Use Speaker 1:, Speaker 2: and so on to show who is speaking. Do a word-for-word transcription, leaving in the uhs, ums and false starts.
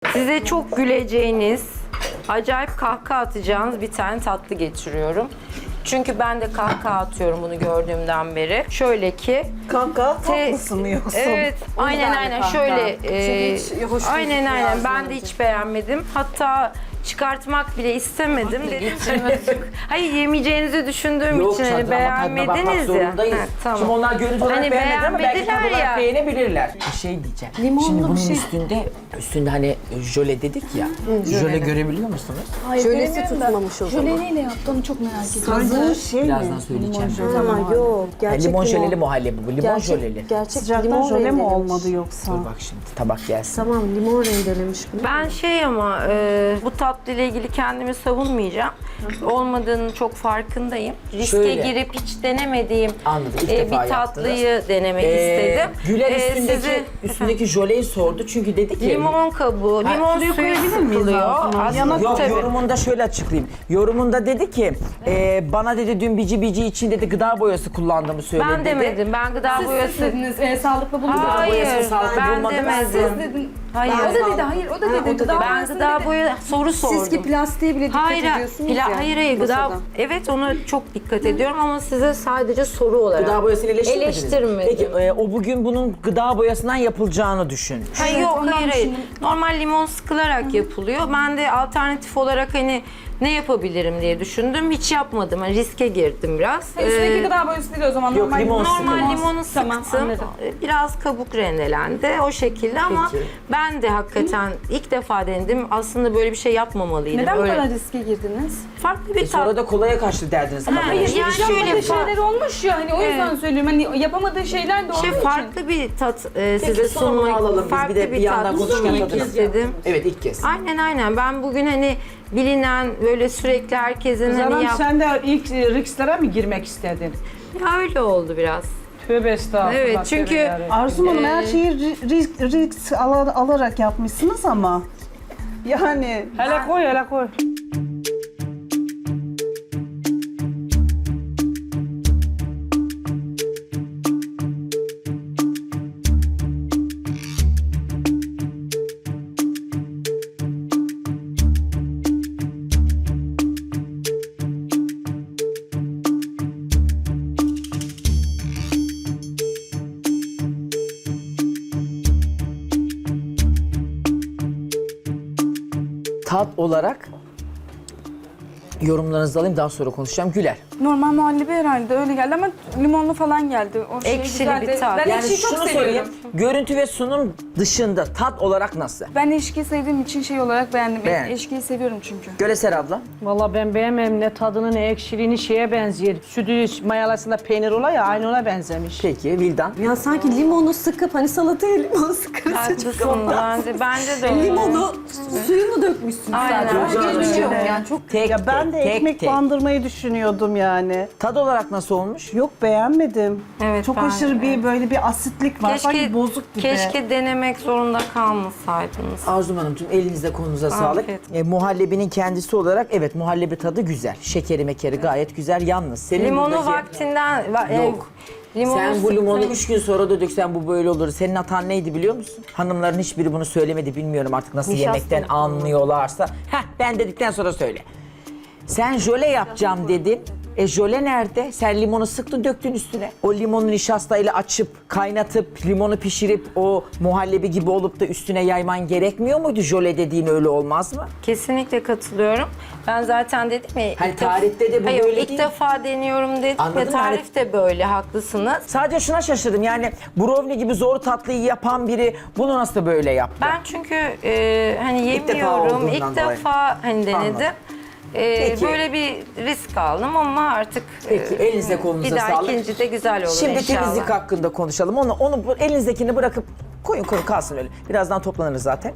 Speaker 1: Size çok güleceğiniz, acayip kahkaha atacağınız bir tane tatlı getiriyorum. Çünkü ben de kahkaha atıyorum bunu gördüğümden beri. Şöyle ki...
Speaker 2: Kanka
Speaker 1: te-
Speaker 2: tatlısı mı yoksa?
Speaker 1: Evet, aynen aynen şöyle. e,
Speaker 2: Çünkü hiç hoş
Speaker 1: aynen
Speaker 2: gözükmüyor
Speaker 1: aynen
Speaker 2: Arzu
Speaker 1: ben de
Speaker 2: Hanımcığım.
Speaker 1: hiç beğenmedim. Hatta çıkartmak bile istemedim. Dedim. Hayır, yemeyeceğinizi düşündüğüm
Speaker 3: Yok
Speaker 1: için hani
Speaker 3: canım, ama tadına bakmak
Speaker 1: beğenmediniz ya.
Speaker 3: zorundayız.
Speaker 1: Ha, tamam.
Speaker 3: Şimdi onlar görüntü olarak
Speaker 1: Hani
Speaker 3: beğenmedi ama belki tad
Speaker 1: beğenmediler
Speaker 3: olarak
Speaker 1: ya.
Speaker 3: beğenebilirler. Bir şey diyeceğim.
Speaker 2: Limonlu
Speaker 3: Şimdi
Speaker 2: bir
Speaker 3: bunun
Speaker 2: şey.
Speaker 3: üstünde, üstünde hani jöle dedik ya. jöle görebiliyor musunuz?
Speaker 4: Hayır,
Speaker 2: Jölesi
Speaker 4: göremiyorum da
Speaker 2: tutmamış o zaman.
Speaker 4: Jöle neyle yaptı onu çok merak ediyorum.
Speaker 2: Hazır şey mi?
Speaker 3: Birazdan söyleyeceğim.
Speaker 2: Ama yok.
Speaker 3: Ha,
Speaker 2: Gerçek
Speaker 3: limon
Speaker 2: limon.
Speaker 3: jöleli muhallebi bu. Limon
Speaker 2: Gerçek,
Speaker 3: jöleli.
Speaker 2: gerçek
Speaker 5: Sıcaktan
Speaker 2: limon
Speaker 5: jöle mi
Speaker 2: rendelemiş.
Speaker 5: olmadı yoksa?
Speaker 3: Dur bak şimdi tabak gelsin.
Speaker 2: Tamam limon rendelemiş bunu.
Speaker 1: Ben şey ama e, bu tatlı ile ilgili kendimi savunmayacağım. Olmadığının çok farkındayım. Riske
Speaker 3: Şöyle.
Speaker 1: girip hiç denemediğim
Speaker 3: Anladım, ilk
Speaker 1: e,
Speaker 3: defa
Speaker 1: bir tatlıyı denemek istedim.
Speaker 3: Güler
Speaker 1: E,
Speaker 3: üstündeki,
Speaker 1: sizi-
Speaker 3: üstündeki jöleyi sordu çünkü dedi ki...
Speaker 1: Limon kabuğu,
Speaker 3: Ha,
Speaker 1: limon
Speaker 5: suyu
Speaker 1: suyu
Speaker 5: koyabilir miyiz
Speaker 1: sıkılıyor.
Speaker 5: ağzına?
Speaker 1: Aslında
Speaker 5: Yanak-
Speaker 3: Yok
Speaker 1: tabii.
Speaker 3: yorumunda şöyle açıklayayım. Yorumunda dedi ki e, bana dedi dün bici bici için dedi gıda boyası kullandığımı söyledi
Speaker 1: Ben
Speaker 3: dedi.
Speaker 1: demedim. Ben gıda
Speaker 4: Siz,
Speaker 1: boyası...
Speaker 4: siz dediniz e, sağlıklı bulundu.
Speaker 1: Hayır,
Speaker 3: boyası sağlıklı
Speaker 1: ben
Speaker 3: bulmadı.
Speaker 1: demedim.
Speaker 4: Siz dedin.
Speaker 1: Hayır.
Speaker 4: O da dedi, hayır o da dedi. Gıda
Speaker 1: Ben
Speaker 4: boyası
Speaker 1: gıda
Speaker 4: dedi.
Speaker 1: boya soru sordum.
Speaker 2: Siz ki plastiğe bile dikkat
Speaker 1: Hayır,
Speaker 2: ediyorsunuz
Speaker 1: pla-
Speaker 2: ya.
Speaker 1: hayır, hayır, gıda...
Speaker 2: masada.
Speaker 1: Evet, ona çok dikkat ediyorum ama size sadece soru olarak.
Speaker 3: Gıda boyasını eleştirmediniz.
Speaker 1: Eleştirmedim.
Speaker 3: Peki e, o bugün bunun gıda boyasından yapılacağını düşün.
Speaker 1: Hayır,
Speaker 4: Evet,
Speaker 1: yok,
Speaker 4: ondan
Speaker 1: hayır, hayır.
Speaker 4: düşündüm.
Speaker 1: Normal limon sıkılarak yapılıyor. Ben de alternatif olarak hani ne yapabilirim diye düşündüm. Hiç yapmadım. Yani riske girdim biraz.
Speaker 4: Ha, Üstündeki
Speaker 1: Ee,
Speaker 4: gıda boyası değil o zaman.
Speaker 3: Yok,
Speaker 4: normal
Speaker 3: limon
Speaker 1: Normal
Speaker 3: sıkılmaz.
Speaker 1: limonu
Speaker 4: Tamam,
Speaker 1: sıktım.
Speaker 4: anladım.
Speaker 1: Biraz kabuk rendelendi o şekilde ama
Speaker 3: Peki.
Speaker 1: ben de hakikaten ilk defa denedim. Aslında böyle bir şey yapmamalıydım.
Speaker 4: Neden bu
Speaker 1: Öyle-
Speaker 4: kadar riske girdiniz?
Speaker 1: Farklı bir
Speaker 3: E, sonra
Speaker 1: tat.
Speaker 3: da kolaya kaçtı derdiniz. Ama
Speaker 1: Ha,
Speaker 3: kolay
Speaker 1: yani
Speaker 3: değil.
Speaker 1: şöyle
Speaker 4: Yapmadığı
Speaker 1: fa-
Speaker 4: şeyler olmuş ya hani o yüzden söylüyorum. Hani yapamadığı şeyler de olduğu
Speaker 1: Şey
Speaker 4: için.
Speaker 1: farklı bir tat e, size
Speaker 3: sunumunu
Speaker 1: sunmak,
Speaker 3: alalım biz,
Speaker 1: farklı
Speaker 3: bir de bir
Speaker 1: bir
Speaker 3: yandan
Speaker 1: tat
Speaker 3: konuşurken
Speaker 1: sunmak
Speaker 3: tadına.
Speaker 1: istedim.
Speaker 3: Evet ilk kez.
Speaker 1: Aynen aynen. Ben bugün hani bilinen böyle sürekli herkesin hani
Speaker 5: Canım
Speaker 1: yap...
Speaker 5: sen de ilk e, risklere mi girmek istedin?
Speaker 1: Ya öyle oldu biraz.
Speaker 5: Tövbe estağfurullah.
Speaker 1: Evet,
Speaker 5: tövbe
Speaker 1: çünkü-
Speaker 5: yarabbim. Arzu Hanım her
Speaker 1: Ee,
Speaker 5: şeyi ri- risk, risk ala- alarak yapmışsınız ama. Yani. Hele koy hele koy.
Speaker 3: Tat olarak yorumlarınızı alayım daha sonra konuşacağım. Güler.
Speaker 4: Normal muhallebi herhalde öyle geldi ama limonlu falan geldi. O şey
Speaker 1: Ekşili
Speaker 4: güzeldi.
Speaker 1: bir tat.
Speaker 4: Ben
Speaker 3: Yani
Speaker 4: ekşiyi çok
Speaker 3: şunu
Speaker 4: seviyorum.
Speaker 3: söyleyeyim. Görüntü ve sunum dışında tat olarak nasıl?
Speaker 4: Ben eşkiyi sevdiğim için şey olarak beğendim.
Speaker 3: Beğen.
Speaker 4: Eşkiyi seviyorum çünkü.
Speaker 3: Göleser abla.
Speaker 5: Valla ben beğenmem ne tadını ne ekşiliğini şeye benziyor. Sütü mayalasında peynir ola ya aynı ona benzemiş.
Speaker 3: Peki Vildan.
Speaker 2: Ya sanki limonu sıkıp hani salataya limon sıkarız.
Speaker 1: Haklısın bence. Bence de öyle.
Speaker 2: Limonu suyunu dökmüşsün
Speaker 1: Aynen.
Speaker 2: sadece. Başka
Speaker 3: Yok,
Speaker 2: hiçbir şey
Speaker 3: yok.
Speaker 2: yok yani. Çok
Speaker 3: Tek
Speaker 5: Ya
Speaker 3: tek
Speaker 5: ben de
Speaker 3: tek
Speaker 5: ekmek
Speaker 3: tek.
Speaker 5: bandırmayı düşünüyordum yani.
Speaker 3: Tad olarak nasıl olmuş?
Speaker 5: Yok beğenmedim.
Speaker 1: Evet,
Speaker 5: Çok
Speaker 1: ben-
Speaker 5: aşırı bir
Speaker 1: evet.
Speaker 5: böyle bir asitlik var. Sanki bozuk gibi.
Speaker 1: Keşke denemek zorunda kalmasaydınız.
Speaker 3: Arzum Hanımcığım elinize kolunuza sağlık.
Speaker 1: Afiyet.
Speaker 3: E, muhallebinin kendisi olarak evet muhallebi tadı güzel. Şekeri mekeri gayet güzel. Yalnız senin
Speaker 1: Limonu
Speaker 3: buradaki-
Speaker 1: vaktinden... va- e,
Speaker 3: Yok.
Speaker 1: limonu
Speaker 3: Sen bu limonu
Speaker 1: sıktın.
Speaker 3: üç gün sonra da döksen bu böyle olur. Senin hatan neydi biliyor musun? Hanımların hiçbiri bunu söylemedi bilmiyorum artık nasıl
Speaker 1: Nişasta
Speaker 3: yemekten
Speaker 1: mı?
Speaker 3: anlıyorlarsa. Heh ben dedikten sonra söyle. Sen jöle yapacağım dedin. E jöle nerede? Sen limonu sıktın döktün üstüne. O limonu nişastayla açıp, kaynatıp, limonu pişirip o muhallebi gibi olup da üstüne yayman gerekmiyor muydu? Jöle dediğin öyle olmaz mı?
Speaker 1: Kesinlikle katılıyorum. Ben zaten dedim ya...
Speaker 3: Hani
Speaker 1: ilk def-
Speaker 3: tarifte de bu
Speaker 1: Hayır,
Speaker 3: böyle
Speaker 1: ilk
Speaker 3: değil.
Speaker 1: defa deniyorum dedim
Speaker 3: Anladım,
Speaker 1: ve tarif de böyle, haklısınız.
Speaker 3: Sadece şuna şaşırdım yani brownie gibi zor tatlıyı yapan biri bunu nasıl böyle yaptı?
Speaker 1: Ben çünkü e, hani
Speaker 3: İlk defa
Speaker 1: yemiyorum, ilk
Speaker 3: olduğundan dolayı.
Speaker 1: defa hani denedim.
Speaker 3: Anladım.
Speaker 1: E,
Speaker 3: Peki.
Speaker 1: böyle bir risk aldım ama artık
Speaker 3: Peki,
Speaker 1: e,
Speaker 3: elinize kolunuza
Speaker 1: bir daha
Speaker 3: sağlık.
Speaker 1: ikinci de güzel olur
Speaker 3: Şimdi
Speaker 1: inşallah.
Speaker 3: temizlik hakkında konuşalım. Onu, onu bu elinizdekini bırakıp koyun koyun kalsın öyle. Birazdan toplanırız zaten.